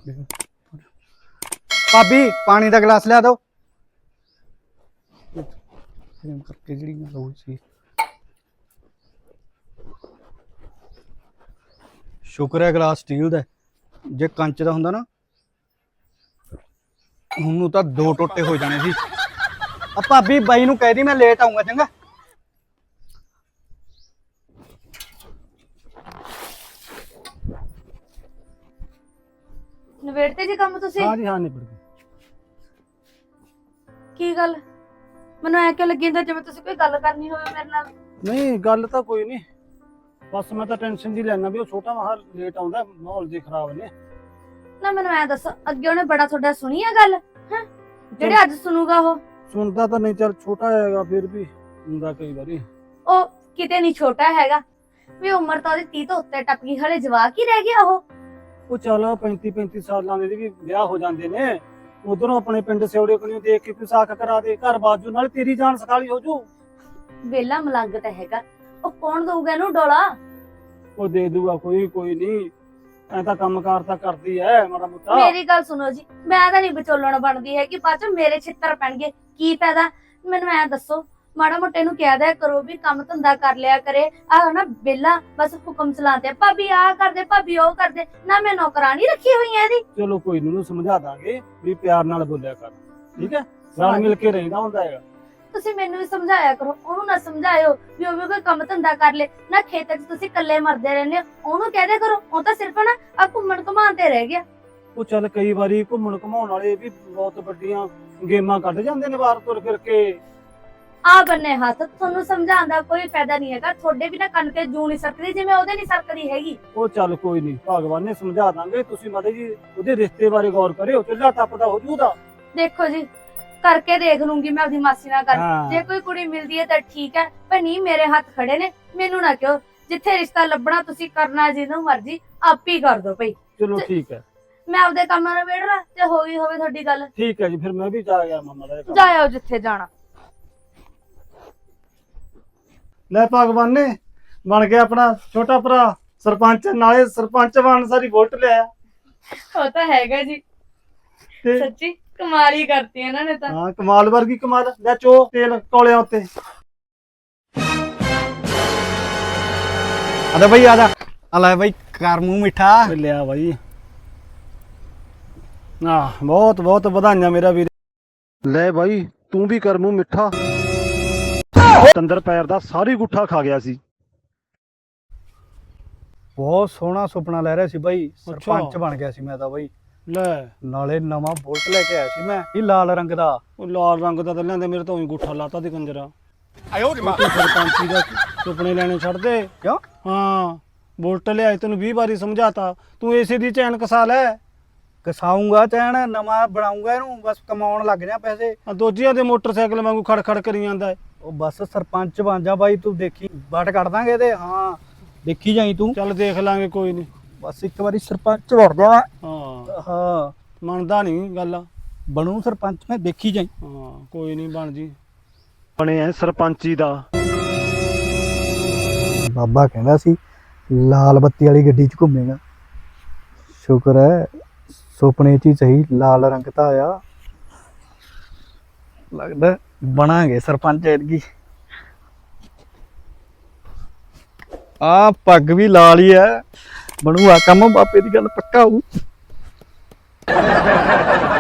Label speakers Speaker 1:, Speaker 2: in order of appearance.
Speaker 1: ਭਾਬੀ ਪਾਣੀ ਦਾ ਗਲਾਸ ਲਿਆ ਦੋ ਕਰਕੇ ਜਿਹੜੀ ਮੈਂ ਲੋੜ ਸੀ। ਸ਼ੁਕਰ ਹੈ ਗਲਾਸ ਸਟੀਲ ਦਾ, ਜੇ ਕੰਚ ਦਾ ਹੁੰਦਾ ਨਾ ਉਹਨੂੰ ਤਾਂ ਦੋ ਟੋਟੇ ਹੋ ਜਾਣੇ ਸੀ। ਆ ਭਾਬੀ ਬਾਈ ਨੂੰ ਕਹਿ ਦੀ ਮੈਂ ਲੇਟ ਆਉਂਗਾ, ਚੰਗਾ।
Speaker 2: ਨਵੇੜਤੇ ਜੀ ਕੰਮ ਤੁਸੀਂ?
Speaker 1: ਹਾਂ ਜੀ ਹਾਂ, ਨਿਬੜ ਗਈ।
Speaker 2: ਕੀ ਗੱਲ ਮੈਨੂੰ ਐ ਕਿਉਂ ਲੱਗੀ ਜਾਂਦਾ ਜਿਵੇਂ ਤੁਸੀਂ ਕੋਈ ਗੱਲ ਕਰਨੀ ਹੋਵੇ ਮੇਰੇ ਨਾਲ?
Speaker 1: ਨਹੀਂ ਗੱਲ ਤਾਂ ਕੋਈ ਨਹੀਂ, ਬਸ ਮੈਂ ਤਾਂ ਟੈਨਸ਼ਨ ਜੀ ਲੈਣਾ ਵੀ ਉਹ ਛੋਟਾ ਮਹਾ ਲੇਟ ਆਉਂਦਾ, ਮਾਹੌਲ ਜੀ ਖਰਾਬ ਨੇ।
Speaker 2: ਨਾ ਮੈਨੂੰ ਐ ਦੱਸੋ, ਅੱਗੇ ਉਹਨੇ ਬੜਾ ਤੁਹਾਡਾ ਸੁਣੀ ਆ ਗੱਲ ਹੈ ਜਿਹੜੇ ਅੱਜ ਸੁਣੂਗਾ? ਉਹ
Speaker 1: ਸੁਣਦਾ ਤਾਂ ਨਹੀਂ, ਚੱਲ ਛੋਟਾ ਹੈਗਾ ਫਿਰ ਵੀ ਹੁੰਦਾ ਕਈ ਵਾਰੀ।
Speaker 2: ਉਹ ਕਿਤੇ ਨਹੀਂ ਛੋਟਾ ਹੈਗਾ ਵੀ, ਉਮਰ ਤਾਂ ਉਹਦੀ 30 ਤੋਂ ਉੱਤੇ ਟੱਪ ਗਈ, ਹਲੇ ਜਵਾਕ ਹੀ ਰਹਿ ਗਿਆ ਉਹ
Speaker 1: ਚੱਲ 35 ਸਾਲਾਂ ਦੇ ਵੀ ਵਿਆਹ ਹੋ ਜਾਂਦੇ ਨੇ। ਉਧਰੋਂ ਆਪਣੇ ਪਿੰਡ ਸਿਉੜੇ ਕੋਲੋਂ ਦੇਖ ਕੇ ਕੋਈ ਸਾਖ ਕਰਾ ਦੇ, ਘਰ ਬਾਜੂ ਨਾਲ ਤੇਰੀ ਜਾਨ ਸਕਾਲੀ ਹੋ ਜੂ।
Speaker 2: ਵੇਲਾ ਮਲੰਗ ਤਾਂ ਹੈਗਾ, ਉਹ ਕੌਣ ਦਊਗਾ ਇਹਨੂੰ ਡੋਲਾ?
Speaker 1: ਉਹ ਦੇ ਦੂਗਾ ਕੋਈ ਨਹੀਂ, ਐ ਤਾਂ ਕੰਮਕਾਰ ਤਾਂ ਕਰਦੀ ਐ ਮਾੜਾ ਮੋਟਾ।
Speaker 2: ਮੇਰੀ ਗੱਲ ਸੁਣੋ ਜੀ, ਮੈਂ ਤਾਂ ਨਹੀਂ ਵਿਚੋਲਣ ਬਣਦੀ ਹੈ ਕਿ ਬਾਅਦ ਚ ਮੇਰੇ ਛਿੱਤਰ ਪੈਣਗੇ, ਕੀ ਫਾਇਦਾ? ਮੈਨੂੰ ਐ ਦੱਸੋ, ਮਾੜਾ ਮੋਟੇ ਨੂੰ ਕਹਿ ਦਿਆ ਕਰੋ ਵੀ ਕੰਮ ਧੰਦਾ ਕਰ ਲਿਆ ਕਰੇ। ਆਹ ਨਾ ਵੇਲਾ ਬਸ ਹੁਕਮ ਚਲਾਉਂਦੇ, ਭਾਬੀ ਆਹ ਕਰਦੇ, ਭਾਬੀ ਉਹ ਕਰਦੇ, ਨਾ ਮੈਂ ਨੌਕਰਾਨੀ ਰੱਖੀ ਹੋਈ ਐ ਇਹਦੀ।
Speaker 1: ਚਲੋ ਕੋਈ ਨੀ, ਉਹਨੂੰ ਸਮਝਾ ਦਾਂਗੇ ਵੀ ਪਿਆਰ ਨਾਲ ਬੋਲਿਆ ਕਰ, ਠੀਕ ਹੈ? ਰਲ ਮਿਲ ਕੇ ਰਹਿੰਦਾ ਹੁੰਦਾ ਹੈਗਾ।
Speaker 2: ਤੁਸੀਂ ਮੈਨੂੰ ਵੀ ਸਮਝਾਇਆ ਕਰੋ, ਉਹਨੂੰ ਨਾ ਸਮਝਾਇਓ ਵੀ ਉਹ ਵੀ ਕੋਈ ਕੰਮ ਧੰਦਾ ਕਰ ਲੇ। ਨਾ ਖੇਤਾਂ 'ਚ ਤੁਸੀਂ ਇਕੱਲੇ ਮਰਦੇ ਰਹਿੰਦੇ ਹੋ, ਉਹਨੂੰ ਕਹਿ ਦਿਆ ਕਰੋ। ਉਹ ਤਾਂ ਸਿਰਫ ਨਾ ਆ ਘੁੰਮਣ ਘੁਮਾਉਣ ਤੇ ਰਹਿ ਗਿਆ।
Speaker 1: ਉਹ ਚੱਲ ਕਈ ਵਾਰੀ ਘੁੰਮਣ ਘੁਮਾਉਣ ਵਾਲੇ ਵੀ ਬਹੁਤ ਵੱਡੀਆਂ ਗੇਮਾਂ ਕੱਢ ਜਾਂਦੇ ਨੇ ਬਾਹਰ ਤੁਰ ਫਿਰ ਕੇ।
Speaker 2: ਆ ਬੰਨੇ ਹੱਥ, ਤੁਹਾਨੂੰ ਸਮਝਾਉਣ ਦਾ ਕੋਈ ਫਾਇਦਾ ਨਹੀਂ ਹੈਗਾ। ਤੁਹਾਡੇ ਵੀ ਨਾ ਕੰਨ ਤੇ ਜੂੰ ਨਹੀਂ ਸਕਦੀ ਜਿਵੇਂ ਉਹਦੇ ਨਹੀਂ ਸਕਦੀ ਹੈਗੀ।
Speaker 1: ਉਹ ਚੱਲ ਕੋਈ ਨਹੀਂ, ਭਗਵਾਨ ਨੇ ਸਮਝਾ ਦਾਂਗੇ। ਤੁਸੀਂ ਮਾੜੇ ਜੀ ਉਹਦੇ ਰਿਸ਼ਤੇ ਬਾਰੇ ਗੌਰ ਕਰਿਓ, ਚੁੱਲ੍ਹਾ ਟੱਪਦਾ ਹੋ ਜੂਦਾ।
Speaker 2: ਦੇਖੋ ਜੀ, ਕਰਕੇ ਦੇਖ ਲੂੰਗੀ ਮੈਂ ਆਪਣੀ ਮਾਸੀ ਨਾਲ ਗੱਲ। ਜੇ ਕੋਈ ਕੁੜੀ ਮਿਲਦੀ ਹੈ ਤਾਂ ਠੀਕ ਹੈ, ਪਰ ਨਹੀਂ, ਮੇਰੇ ਹੱਥ ਖੜੇ ਨੇ, ਮੈਨੂੰ ਨਾ ਕਿਉਂ। ਜਿੱਥੇ ਰਿਸ਼ਤਾ ਲੱਭਣਾ ਤੁਸੀਂ ਕਰਨਾ ਜਿਹਨੂੰ ਮਰਜ਼ੀ, ਆਪ ਹੀ ਕਰ ਦੋ ਭਾਈ।
Speaker 1: ਚਲੋ ਠੀਕ ਹੈ,
Speaker 2: ਮੈਂ ਆਪਦੇ ਕੰਮਾਂ ਨੂੰ ਵੇੜਨਾ ਤੇ ਹੋ ਗਈ ਹੋਵੇ ਤੁਹਾਡੀ ਗੱਲ।
Speaker 1: ਠੀਕ ਹੈ ਜੀ, ਫਿਰ ਮੈਂ ਵੀ ਜਾ ਗਿਆ ਮਾਮਾ ਦਾ।
Speaker 2: ਜਾਇਓ ਜਿੱਥੇ ਜਾਣਾ।
Speaker 1: ਲੈ ਭਗਵਾਨ ਨੇ ਬਣ ਗਿਆ ਆਪਣਾ ਛੋਟਾ ਭਰਾ ਸਰਪੰਚ, ਨਾਲੇ ਸਰਪੰਚ ਬਣ ਸਾਰੀ ਵੋਟ ਲਿਆ।
Speaker 2: ਉਹ ਤਾਂ ਹੈਗਾ ਜੀ,
Speaker 1: ਤੇ
Speaker 2: ਸੱਚੀ ਕਮਾਲ ਹੀ ਕਰਤੀ ਇਹਨਾਂ ਨੇ ਤਾਂ।
Speaker 1: ਹਾਂ, ਕਮਾਲ ਵਰਗੀ ਕਮਾਲ। ਲੈ ਚੋ ਤੇਲ ਕੋਲਿਆਂ ਉੱਤੇ। ਆਦਾ ਬਈ, ਆਦਾ ਆ ਲੈ ਬਈ, ਕਰ ਮੂੰਹ ਮਿੱਠਾ। ਲਿਆ ਬਾਈ, ਬਹੁਤ ਬਹੁਤ ਵਧਾਈਆਂ ਮੇਰਾ ਵੀਰ।
Speaker 3: ਲੈ ਬਾਈ, ਤੂੰ ਵੀ ਕਰ ਮੂੰਹ ਮਿੱਠਾ। ਤੰਦਰ ਪੈਰ ਦਾ ਸਾਰੀ ਗੁੱਠਾ ਖਾ ਗਿਆ ਸੀ।
Speaker 1: ਬਹੁਤ ਸੋਹਣਾ ਸੁਪਨਾ ਲੈ ਰਿਹਾ ਸੀ ਬਾਈ, ਸਰਪੰਚ ਬਣ ਗਿਆ ਸੀ ਮੈਂ ਤਾਂ ਬਾਈ। ਲੈ ਨਾਲੇ ਨਵਾਂ ਬੁਲਟ ਲੈ ਕੇ ਆਇਆ ਸੀ ਮੈਂ, ਇਹ ਲਾਲ ਰੰਗ ਦਾ। ਉਹ ਲਾਲ ਰੰਗ ਦਾ ਤਾਂ ਲੈਂਦੇ, ਮੇਰੇ ਤਾਂ ਉਹੀ ਗੁੱਠਾ ਲਾਤਾ ਦੀ ਕੰਜਰਾ। ਸਰਪੰਚੀ ਦਾ ਸੁਪਨੇ ਲੈਣੇ ਛੱਡ ਦੇ। ਕਿਉਂ? ਹਾਂ, ਬੁਲਟ ਲਿਆਏ, ਤੈਨੂੰ 20 ਵਾਰੀ ਸਮਝਾਤਾ। ਤੂੰ ਏਸੇ ਦੀ ਚੈਨ ਕਸਾ ਲੈ। ਕਸਾਊਂਗਾ ਚੈਨ, ਨਵਾਂ ਬਣਾਉਂਗਾ ਇਹਨੂੰ, ਬਸ ਕਮਾਉਣ ਲੱਗ ਜਾ ਪੈਸੇ। ਦੋਜੀਆਂ ਦੇ ਮੋਟਰਸਾਈਕਲ ਵਾਂਗੂ ਖੜ ਖੜ ਕਰੀ ਜਾਂਦਾ। ਉਹ ਬਸ ਸਰਪੰਚ ਬਣ ਜਾ ਬਾਈ, ਤੂੰ ਦੇਖੀ ਵੱਟ ਕੱਢ ਦਾਂਗੇ ਇਹਦੇ। ਹਾਂ ਦੇਖੀ ਜਾਈ ਤੂੰ। ਚੱਲ ਦੇਖ ਲਾਂਗੇ, ਕੋਈ ਨਹੀਂ, ਬਸ ਇੱਕ ਵਾਰੀ ਸਰਪੰਚ ਬਣ ਜਾ। ਹਾਂ ਮੰਨਦਾ ਨਹੀਂ ਗੱਲ, ਬਣੂ ਸਰਪੰਚ ਮੈਂ, ਦੇਖੀ ਜਾਈ। ਹਾਂ ਕੋਈ ਨਹੀਂ, ਬਣ ਜੀ।
Speaker 3: ਬਣੇ ਐ ਸਰਪੰਚੀ ਦਾ।
Speaker 1: ਬਾਬਾ ਕਹਿੰਦਾ ਸੀ ਲਾਲ ਬੱਤੀ ਵਾਲੀ ਗੱਡੀ 'ਚ ਘੁੰਮੇਗਾ। ਸ਼ੁਕਰ ਹੈ ਸੁਪਨੇ 'ਚ ਹੀ ਸਹੀ ਲਾਲ ਰੰਗ ਤਾਂ ਆਇਆ। ਲੱਗਦਾ ਬਣਾਂਗੇ ਸਰਪੰਚ ਐਤਕੀ। ਆ ਪੱਗ ਵੀ ਲਾਲ ਹੀ ਹੈ, ਬਣੂਗਾ ਕੰਮ। ਬਾਪੇ ਦੀ ਗੱਲ ਪੱਕਾ ਹੋਊ।